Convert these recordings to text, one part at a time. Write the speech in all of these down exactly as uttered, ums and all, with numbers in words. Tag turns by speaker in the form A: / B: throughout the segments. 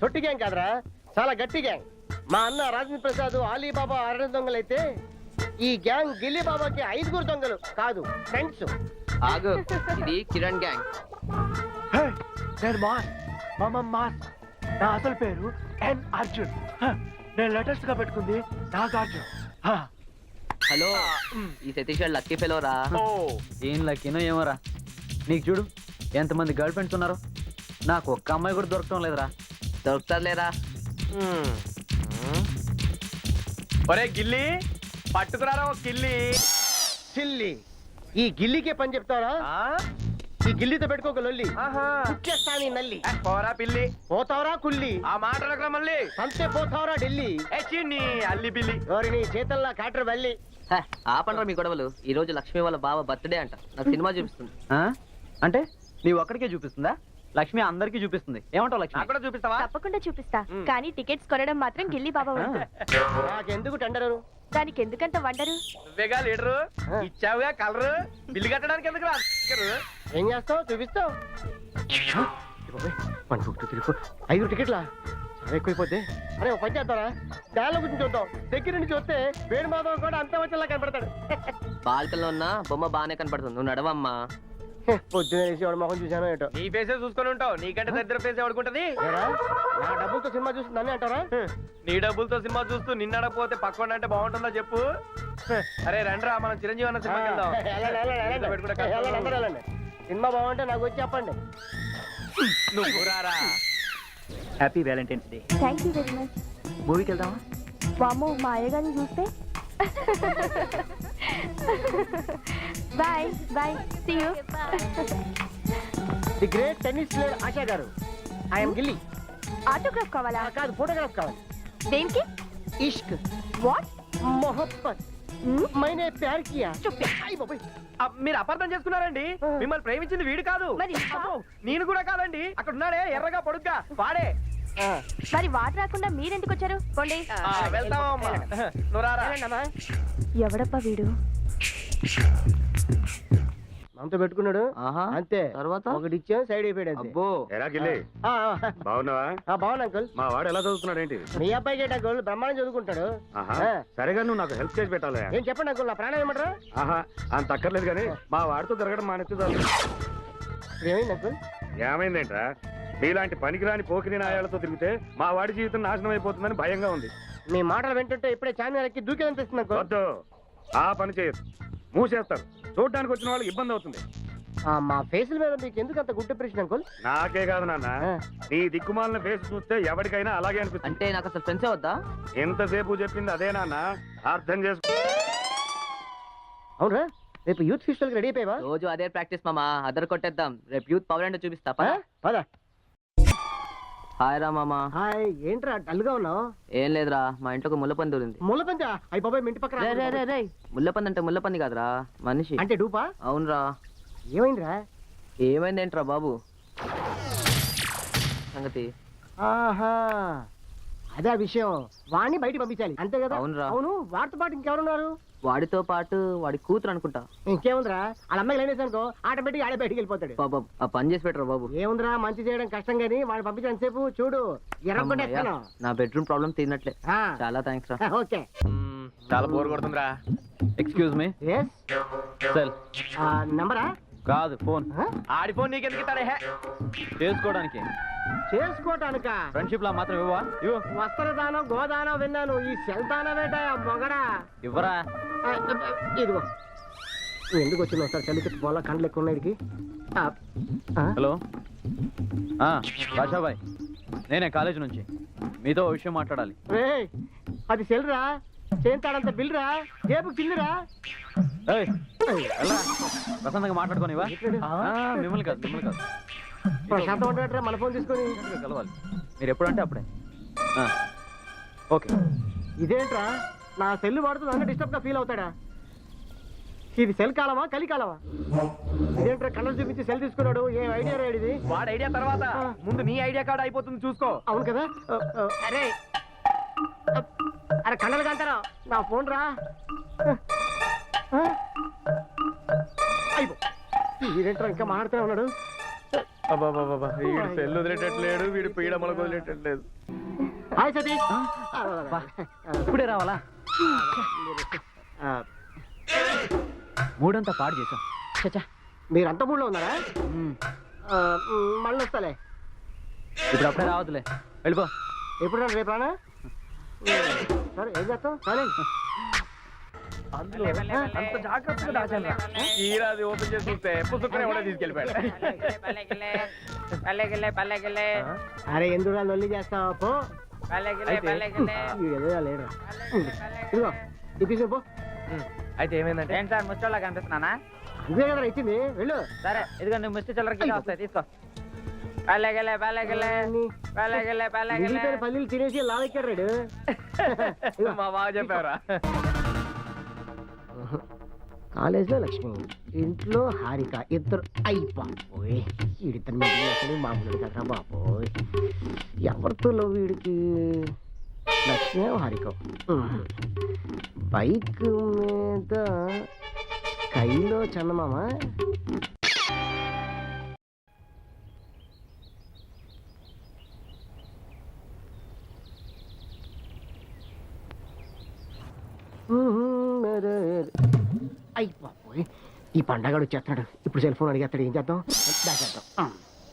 A: తొట్టి గ్యాంగ్ కాదురా, చాలా గట్టి గ్యాంగ్. మా అన్న రాజేంద్ర ప్రసాద్ ఆలీబాబా అరణ్య దొంగలైతే ఈ గ్యాంగ్ గిల్లీ బాబాకి ఐదుగురు దొంగలు కాదు, ఫ్రెండ్స్.
B: ఆగు, ఇది కిరణ్ గ్యాంగ్.
C: నేను మాస్ మామ మాస్. నా అసలు పేరు ఎన్ అర్జున్. నేను లేటెస్ట్ గా పెట్టుకుంది నాగార్జున్.
B: హలో, ఈ సతీష్ గారు లక్కీ ఫెలో రా.
D: ఏం లక్కీనో ఏమోరా. నీకు చూడు ఎంతమంది గర్ల్ ఫ్రెండ్స్ ఉన్నారు, నాకు ఒక్క అమ్మాయి కూడా దొరకటం లేదురా.
B: దొరుకుతారులేరా.
C: ఒరే గిల్లి, పట్టుకురారా ఒక గిల్లి.
A: సిల్లి, ఈ గిల్లీకే పని చెప్తారా? ఈ గిల్లీతో పెట్టుకోక లొల్లి, కుక్కేస్తాని నల్లి.
C: పోరా పిల్లి,
A: పోతావరా కుల్లి,
C: ఆ మాటలకు మళ్ళీ
A: అంతే పోతావరా ఢిల్లీ.
C: నీ అల్లి బిల్లి.
A: ఎవరిని చేతల్లా కాటర్ వెళ్ళి.
B: ఆపండ్రా మీ గొడవలు. ఈ రోజు లక్ష్మి వాళ్ళ బావ బర్త్డే అంట, నాకు సినిమా చూపిస్తుంది.
D: ఆ? అంటే నీవు ఒక్కడికే చూపిస్తుందా? లక్ష్మి అందరికీ చూపిస్తుంది. ఏమంటావు లక్ష్మి?
C: నాకు కూడా చూపిస్తావా?
E: తప్పకుండా చూపిస్తా, కానీ టికెట్స్ కొనడం మాత్రం గిల్లి బాబా వంతు.
A: నాకెందుకు టెండరు?
E: దానికి ఎందుకంత వండరు?
C: నువ్వేగా లీడరు, ఇచ్చావుగా కలరు, బిల్లు కట్టడానికి ఎందుకు రా?
A: ఏం చేస్తావు? చూపిస్తావు. ఐదు టికెట్లా? చాలా ఎక్కువైపోతే. అరే ఒక పని చేద్దారా, దానిలో గురించి చూద్దాం. దగ్గర నుంచి చూస్తే వేణు మాధవ్ కూడా అంత వచ్చేలా కనపడతాడు.
B: బాల్కల్లో ఉన్న బొమ్మ బాగానే కనపడుతుంది, నువ్వు నడవమ్మా.
A: పొద్దున వేసి వాడు మొహం చూసాను ఏటో.
C: నీ ఫేసే చూసుకొని ఉంటావు, నీకంటే దగ్గర ఫేస్ ఎవడుకుంటది?
A: నా డబ్బులతో సినిమా చూస్తుందని అంటారా?
C: నీ డబ్బులతో సినిమా చూస్తూ నిన్న అడగపోతే పక్కన అంటే బాగుంటుందా చెప్పు? అరే రండ్రా, మనం చిరంజీవి అన్న సినిమాకి వెళ్దాం.
A: వెళ్ళండి, వెళ్ళండి, వెళ్ళండి. వెళ్ళండి, అందరూ వెళ్ళండి. సినిమా బాగుంటే నాకు వచ్చి చెప్పండి.
C: నువ్వు రారా.
D: Happy Valentine's Day.
E: Thank you very much.
D: మూవీకి వెళ్దామా?
E: వామ్మో, మా అయ్యగారిని చూస్తే. Bye bye, see you.
A: The great tennis player Asha garu, I'm gilli.
E: Autograph కావాలా?
A: ఆ, కాదు, ఫోటోగ్రాఫ్ కావాలి.
E: దేనికి?
A: ఇష్క్,
E: వాట్?
A: మొహబ్బత్, మైనే ప్యార్ కియా. అయ్ బాబోయ్.
C: ఆ, మీరు అపార్థం చేసుకున్నారండి. మిమ్మల్ని ప్రేమించింది వీడు కాదు.
E: మరి?
C: అబ్బో, నేను కూడా కాదండి. అక్కడ ఉన్నాడే ఎర్రగా పొడుగ్గా వాడే.
A: ఆ,
E: మరి వాటర్ రాకుండా మీరెందుకు వచ్చారు? పోండి.
C: ఆ, వెళ్తామమ్మా. నువ్వు రారా.
A: వెళ్ళండమ్మా.
E: ఎవడప్పా వీడు?
A: మనతో పెట్టుకున్నాడు
B: ఆహా,
A: అంతే.
B: తర్వాత?
A: ఒకటి ఇచ్చాం, సైడ్ అయిపోయాడు అంతే.
B: అబ్బో.
F: ఎరా గిల్లి,
A: ఆ, ఆ,
F: బాగున్నావా?
A: ఆ, బాగున్నా అంకుల్.
F: మా వాడు ఎలా చదువుతున్నాడు ఏంటి?
A: మీ అబ్బాయికి ఏంటి అంకుల్, బ్రహ్మాండం చదువుకుంటాడు.
F: ఆహా,
A: ఆ.
F: సరేగా నువ్వు నాకు హెల్ప్ చేసి పెట్టాలి.
A: ఏం చెప్పండి అంకుల్, నా ప్రాణం ఏమంటారా?
F: ఆహా, అంత అక్కర్లేదు కానీ మా వాడితో తిరగడం మానేస్తే చాలు.
A: ఏమైంది అంకుల్?
F: ఏమైందేంట్రా? మీలాంటి పనికిరాని పోకిరి నాయాలతో తిరిగితే మా వాడి జీవితం నాశనం అయిపోతుందని భయంగా ఉంది.
A: మీ మాటలు వింటుంటే ఇప్పుడే చార్మినార్ ఎక్కి దూకేదనిపిస్తుంది అంకుల్.
F: వద్దు, ఆ పని చేయదు. మూసేస్తారు. చూడడానికి వచ్చిన వాళ్ళకి ఇబ్బంది అవుతుంది.
A: ఆ, మా ఫేసుల మీద మీకు ఎందుకు అంత గుడ్ ఇంప్రెషన్ అంకుల్?
F: నాకే కాదు నాన్న,
A: ఆ.
F: నీ దిక్కుమాలిన ఫేస్ చూస్తే ఎవరికైనా అలాగే అనిపిస్తుంది.
B: అంటే నాకు అసలు ఫ్రెండ్సే వద్దా?
F: ఎంతసేపు చెప్పింది అదే నాన్న, అర్థం చేసుకో.
A: అవునా, రేపు యూత్ ఫెస్టివల్ కి రెడీ అయిపోయావా?
B: రోజు అదే ప్రాక్టీస్ మామా, అదర్ కొట్టేద్దాం. రేపు యూత్ పవర్ అంటే చూపిస్తా.
A: ఆ, పద.
B: హాయ్ రా మామా.
A: హాయ్, ఏంట్రా డల్ గా ఉన్నావు?
B: ఏం లేదురా, మా ఇంట్లో ఒక ముల్లపంది దూరింది.
A: ముళ్ళపంది? అయ్యి బాబాయ్, మీ ఇంటి పక్కన.
B: రే రే రే రే, ముల్లపంది అంటే ముల్లపంది కాదురా, మనిషి.
A: అంటే డూపా?
B: అవునరా.
A: ఏమైందిరా?
B: ఏమైందేంట్రా బాబు సంగతి?
A: ఆహా, అదే ఆ విషయం. వాడిని బయట పంపించాలి అంతే కదా?
B: అవునురా.
A: అవును, వాడితో పాటు ఇంకెవరున్నారు?
B: వాడితో పాటు వాడి కూతురు అనుకుంటా.
A: ఇంకేముందిరా, వాళ్ళ అమ్మాయి లైన్ వేసానుకో ఆటోమేటిక్ ఆడే బయటికి వెళ్ళిపోతాడు.
B: బాబా, ఆ పని చేసి పెట్టరా బాబు.
A: ఏముందిరా, మంచి చేయడం కష్టం గానీ వాడిని పంపించడం సేపు చూడు ఎర్రగొట్టేస్తాను.
B: నా బెడ్రూమ్ ప్రాబ్లం తీరినట్లే.
A: ఆ,
B: చాలా థ్యాంక్స్ రా.
A: ఓకే.
C: మ్మ్, చాలా బోర్ కొడుతుందిరా.
D: Excuse me.
A: ఎస్,
D: సెల్
A: నంబరా?
D: కాదు, ఫోన్.
C: ఆడి ఫోన్ నీకెందుకు ఇస్తాడే? హే,
D: చేసుకోవడానికి.
A: చేసుకోటానిక?
D: ఫ్రెండ్షిప్ లా మాత్రం ఇవ్వవా? ఇవ్వు.
A: వస్త్రదానం గోదానం విన్నాను, ఈ సెల్ దానం ఏంటా మొగడా?
D: ఇవ్వరా.
A: ఆ, ఇదిగో. నువ్వు ఎందుకు వచ్చినావు సార్? చలికి పోలా కండ్లు ఎక్కువ ఉన్నాయి వీడికి. ఆ, ఆ?
D: హలో, రాజాబాయ్, నేనే కాలేజ్ నుంచి మీతో ఓ విషయం మాట్లాడాలి.
A: రేయ్, అది సెల్ రా, చేస్తాడంత బిల్ రా, జేబు కిల్లురా.
D: ఏయ్, వెళ్ళరా. ప్రశాంతంగా మాట్లాడుకోనివా? మిమ్మల్ని కాదు, మిమ్మల్ని కాదు.
A: శాతం ఉంటాడరా మన ఫోన్ తీసుకొని.
D: కలవాలి మీరు ఎప్పుడంటే అప్పుడే. ఆ, ఓకే.
A: ఇదేంట్రా, నా సెల్ వాడుతూ నన్ను డిస్టర్బ్ గా ఫీల్ అవుతాడా? ఇది సెల్ కాలమా కలి కాలమా? ఇదేంట్రా కలర్ చూపించి సెల్ తీసుకున్నాడు? ఏ ఐడియా రా ఇది?
C: వాడి ఐడియా తర్వాత ముందు నీ ఐడియా కార్డ్ అయిపోతుంది చూసుకో.
A: అవును కదా. అరే అరే కళ్ళలు కంటారా, నా ఫోన్ రా. అయిపో, ఇదేంట్రా ఇంకా మాట్లాడుతూనే ఉన్నాడు.
C: అబ్బాబాబా వీడు సెల్ వదిలేటట్లేడు వీడు పీడ మనకు వదిలేటట్లేదు.
A: హాయ్ సతీష్.
D: బా, ఇప్పుడే రావాలా?
A: ఆ,
D: మూడంతా పాడు చేసాం. చచ్చా.
A: మీరు అంత మూడులో ఉన్నారా?
D: మ్మ్.
A: ఆ, మ్, మళ్ళీ వస్తాలే.
D: ఇప్పుడు అప్పుడే రావద్దులే, వెళ్ళిపో.
A: ఎప్పుడు రా రేపు రానా? సరే ఏం చేస్తావు? సరే
C: అందులో అంత జాగ్రత్తగా దాచాను. ఈరాది ఓపెన్ చేసి చూస్తే పుస్తకం ఎవడో తీసుకెళ్ళిపోయాడు.
A: అరే ఎందుకు రా లొల్లి చేస్తావా? పో. వీడు ఏదో లేడురా. ఇదిగో ఇప్పించు పో.
C: అయితే ఏమైందంటే
G: ఏంటి సార్ ముచ్చోళ్ళ కనిపిస్తున్నానా?
A: ఇదే కదా ఇచ్చింది, వెళ్ళు.
G: సరే ఇదిగో నువ్వు ముష్టి చిల్లరకి వస్తాయి తీసుకో. పల్లెగలే పల్లెగలే పల్లెగలే పల్లెగలే
A: మిగిలిపోయిన పల్లీలు తినేసి లావెక్కాడు రాడు.
C: మా బాగా చెప్పారా?
A: కాలేజ్లో లక్ష్మి, ఇంట్లో హారిక, ఇద్దరు అయిపోయి వీడిద్దరు మీద అసలు మామూలు కదరా బాబోయ్. ఎవరితో లవ్ వీడికి? లక్ష్మి హారిక. బైక్ మీద కైలో చందమామ. అయిపోయి ఈ పండగడు వచ్చేస్తాడు. ఇప్పుడు సెల్ ఫోన్ అడిగేస్తాడు. ఏం చేద్దాం? దాచేద్దాం.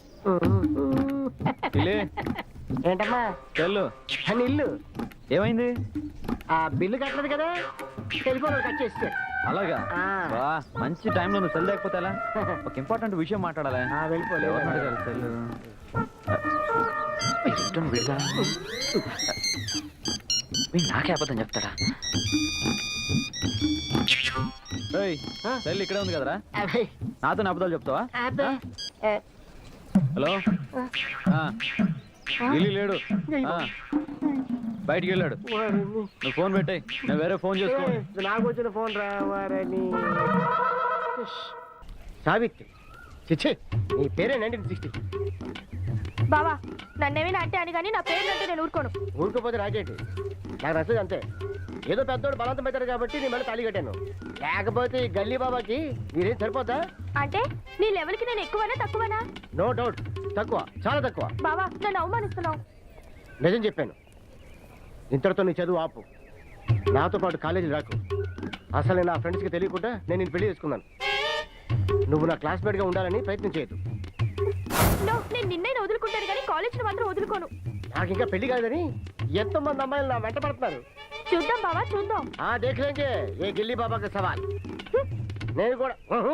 A: ఏంటమ్మా?
D: వెళ్ళు.
A: అని ఇల్లు
D: ఏమైంది?
A: ఆ బిల్లు కట్టలేదు కదా, సెల్ ఫోన్ కట్ చేస్తే.
D: అలాగా?
A: ఆ.
D: బా, మంచి టైంలో నువ్వు సెల్ లేకపోతే ఎలా? ఒక ఇంపార్టెంట్ విషయం మాట్లాడాలి.
A: వెళ్ళిపోలేదు.
D: ఎవరిని అడగాలి సెల్? ఏంటో వీడుగా. వీడు నాకే అబద్ధం చెప్తాడా? ఏయ్,
A: ఆ?
D: సెల్ ఇక్కడే ఉంది కదరా?
A: అబ్బే,
D: నాతో నా అబద్ధాలు చెప్తావా?
A: అబ్బే. ఏ,
D: హలో. ఆ. ఢిల్లీ లేడు. ఆ. బయటికి వెళ్ళాడు.
A: వారిని.
D: నువ్వు ఫోన్ పెట్టాయి, నేను వేరే ఫోన్ చేసుకో.
A: ఏ, నాకు వచ్చిన ఫోన్ రావారని. సావిత్రి, చిచ్చి నీ పేరే నైన్టీన్ సిక్స్టీ.
E: బావా నన్నేమైనా అంటే అని కానీ నా పేరు అంటే నేను ఊరుకోను.
A: ఊరుకోపోతే రాకేంటి? నాకు నచ్చదు అంతే. ఏదో పెద్దోడు బలవంతం పెట్టారు కాబట్టి నేను మళ్ళీ తాళి కట్టాను. లేకపోతే ఈ గల్లీ బాబాకి మీరేం సరిపోతా?
E: అంటే నీ లెవెల్కి నేను ఎక్కువనా తక్కువనా?
A: నో డౌట్ తక్కువ, చాలా తక్కువ.
E: బావా నన్ను అవమానిస్తున్నావు.
A: నిజం చెప్పాను. ఇంతటితో నీ చదువు ఆపు. నాతో పాటు కాలేజీ రాకు. అసలు నేను నా ఫ్రెండ్స్కి తెలియకుండా నేను నేను పెళ్లి చేసుకున్నాను. నువ్వు నా క్లాస్మేట్గా ఉండాలని ప్రయత్నం చేయదు.
E: నో, నేను నిన్నైనా వదులుకుంటాను కానీ కాలేజీని మాత్రం వదులుకోను.
A: నాకు ఇంకా పెళ్లి కాదని ఎంతో మంది అమ్మాయిలు నా వెంట పడుతున్నారు.
E: చూద్దాం బావా చూద్దాం.
A: ఆ దేఖలేంగే ఏ గిల్లీ బాబాకి సవాల్. నేను కూడా ఉహు.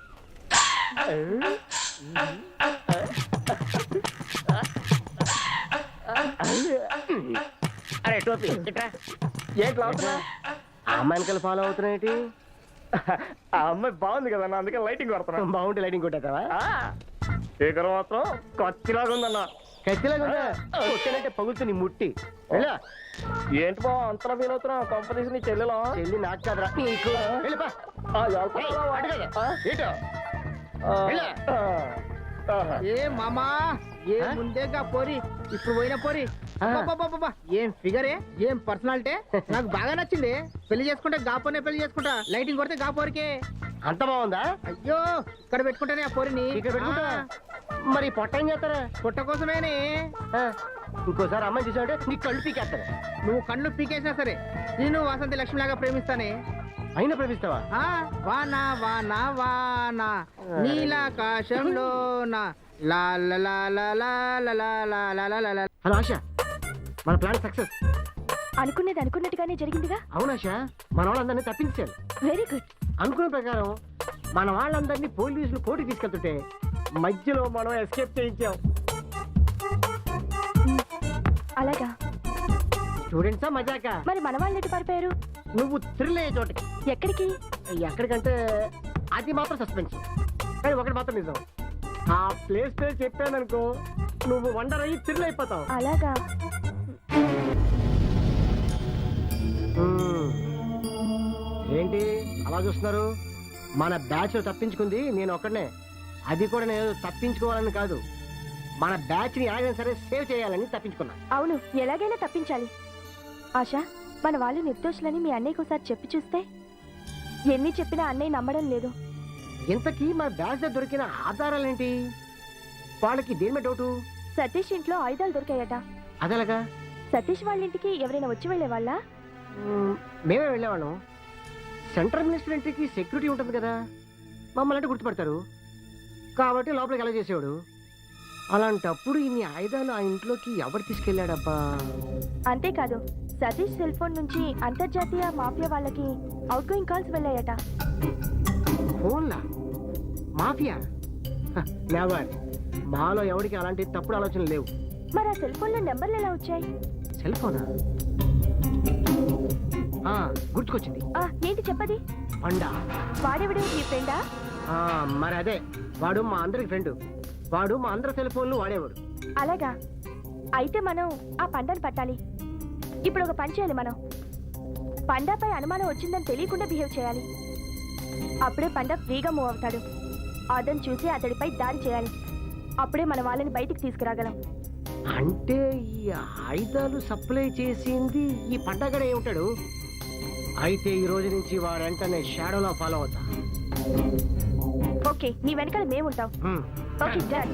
A: అరే టోపీ ఇట్రా.
C: ఏంటి లావుతున్నా?
A: ఆ అమ్మాయిని ఫాలో అవుతున్నాయేంటి?
C: ఆ అమ్మాయి బాగుంది కదా అన్న, అందుకే లైటింగ్ కొడుతున్నా.
A: బాగుంటే లైటింగ్ కొట్టేస్తావా?
C: స్పీకర్ మాత్రం కత్తిలాగా ఉందన్న.
A: ఖచ్చితంగా ఉందా? కొట్టానంటే పగులుతు నీ ముట్టి. వెళ్ళా.
C: ఏంటి బా అంతలా ఫీల్ అవుతున్నావు? కంపెనీస్ నీ చెల్లెలా?
A: చెల్లి నాకు కాదురా నీకు. వెళ్ళిపా. ఏయ్, అటు కదా. ఏటో? వెళ్ళా.
G: ఏ మామా ఏ ముందేగా పోరి ఇప్పుడు పోయిన పోరి. అబ్బబ్బబ్బబ్బ, ఏం ఫిగరే, ఏం పర్సనాలిటీ. నాకు బాగా నచ్చింది. పెళ్లి చేసుకుంటే గాపోనే పెళ్లి చేసుకుంటా. లైటింగ్ కొడితే గా పోరికే.
A: అంత బాగుందా?
G: అయ్యో ఇక్కడ పెట్టుకుంటానే ఆ పోరిని.
A: ఇక్కడ పెట్టుకుంటా. మరి పొట్ట ఏం చేస్తారా?
G: పుట్ట కోసమేనే.
A: ఆ, ఇంకోసారి అమ్మాయి చూసావంటే నీ కళ్ళు పీకేస్తారా?
G: నువ్వు కళ్ళు పీకేసినా సరే నేను వాసంతి లక్ష్మి లాగా ప్రేమిస్తానే.
A: అయినా ప్రేమిస్తావా?
G: ఆ వానా వానా వానా నీలాకాశంలో నా లా లా లా లా లా లా లా లా లా లా లా లా.
A: హలో ఆశ, మన ప్లాన్ సక్సెస్.
E: అనుకునేది అనుకున్నట్టుగానే జరిగిందిగా.
A: అవును ఆశ, మన వాళ్ళందరినీ తప్పించాలి.
E: Very good.
A: అనుకున్న ప్రకారం మన వాళ్ళందరినీ పోలీసులు కోర్టుకి తీసుకెళ్తుంటే మధ్యలో మనం ఎస్కేప్ చేయించాం.
E: అలాగా?
A: స్టూడెంట్సా మజాక?
E: మరి మన వాళ్ళు ఎటు పారిపోయారు?
A: నువ్వు థ్రిల్ అయ్యే చోటకి.
E: ఎక్కడికి?
A: ఎక్కడికంటే అది మాత్రం సస్పెన్స్, కానీ ఒకటి మాత్రం నిజం. ఆ ప్లేస్ పేరు చెప్పాననుకో నువ్వు వండర్ అయ్యి థ్రిల్ అయిపోతావు.
E: అలాగా?
A: మ్మ్. ఏంటి అలా చూస్తున్నారు? మన బ్యాచ్ తప్పించుకుంది నేను ఒక్కడనే. అది కూడా నేను తప్పించుకోవాలని కాదు, మన బ్యాచ్ ని ఎలాగైనా సరే సేవ్ చేయాలని తప్పించుకున్నా.
E: అవును, ఎలాగైనా తప్పించాలి. ఆశ, మన వాళ్ళు నిర్దోషులని మీ అన్నయ్యకి ఒకసారి చెప్పి చూస్తే? ఎన్ని చెప్పినా అన్నయ్య నమ్మడం లేదు.
A: ఇంతకీ మన బ్యాచ్ లో దొరికిన ఆధారాలేంటి? వాళ్ళకి దేని మీద డౌటు?
E: సతీష్ ఇంట్లో ఆయుధాలు దొరికాయట.
A: అదేలాగా?
E: సతీష్ వాళ్ళ ఇంటికి ఎవరైనా వచ్చి వెళ్ళే వాళ్ళ?
A: మ్మ్, మేమే వెళ్ళేవాళ్ళం. సెంట్రల్ మినిస్టర్ ఇంటికి సెక్యూరిటీ ఉంటుంది కదా, మమ్మల్ని అంటే గుర్తుపడతారు కాబట్టి లోపలికి ఎలా చేసేవాడు. అలాంటప్పుడు ఇన్ని ఆయుధాలు ఆ ఇంట్లోకి ఎవరు తీసుకెళ్ళాడబ్బా?
E: అంతేకాదు, సతీష్ సెల్ ఫోన్ నుంచి అంతర్జాతీయ మాఫియా వాళ్ళకి అవుట్ గోయింగ్ కాల్స్ వెళ్ళాయట.
A: ఫోన్లా? మాఫియా? నెవర్. మాలో ఎవరికి అలాంటి తప్పుడు ఆలోచనలు లేవు.
E: మరి ఆ సెల్ ఫోన్ లో నెంబర్లు ఎలా వచ్చాయి?
A: సెల్ ఫోనా? ఆ, గుర్తుకొచ్చింది.
E: ఆ, ఏంటి చెప్పది?
A: పండా.
E: వాడెవడు, నీ ఫ్రెండా?
A: ఆ, మరి అదే, వాడు మా అందరికి ఫ్రెండ్. వాడు మా అందరి సెల్ ఫోన్లు వాడేవాడు.
E: అలాగా? అయితే మనం ఆ పండాను పట్టాలి. ఇప్పుడు ఒక పని చేయాలి. మనం పండాపై అనుమానం వచ్చిందని తెలియకుండా బిహేవ్ చేయాలి. అప్పుడే పండా ఫ్రీగా మూవ్ అవుతాడు. అతను చూసి అతడిపై దాడి చేయాలి. అప్పుడే మన వాళ్ళని బయటికి తీసుకురాగలం.
A: అంటే ఈ ఆయుధాలు సప్లై చేసింది ఈ పండగడే ఉంటాడు. అయితే ఈ రోజు నుంచి వాడంటే షాడోలో ఫాలో అవుతా.
E: ఓకే, నీ వెనకాల మేముంటాం.
A: హ్మ్.
E: Okay, done.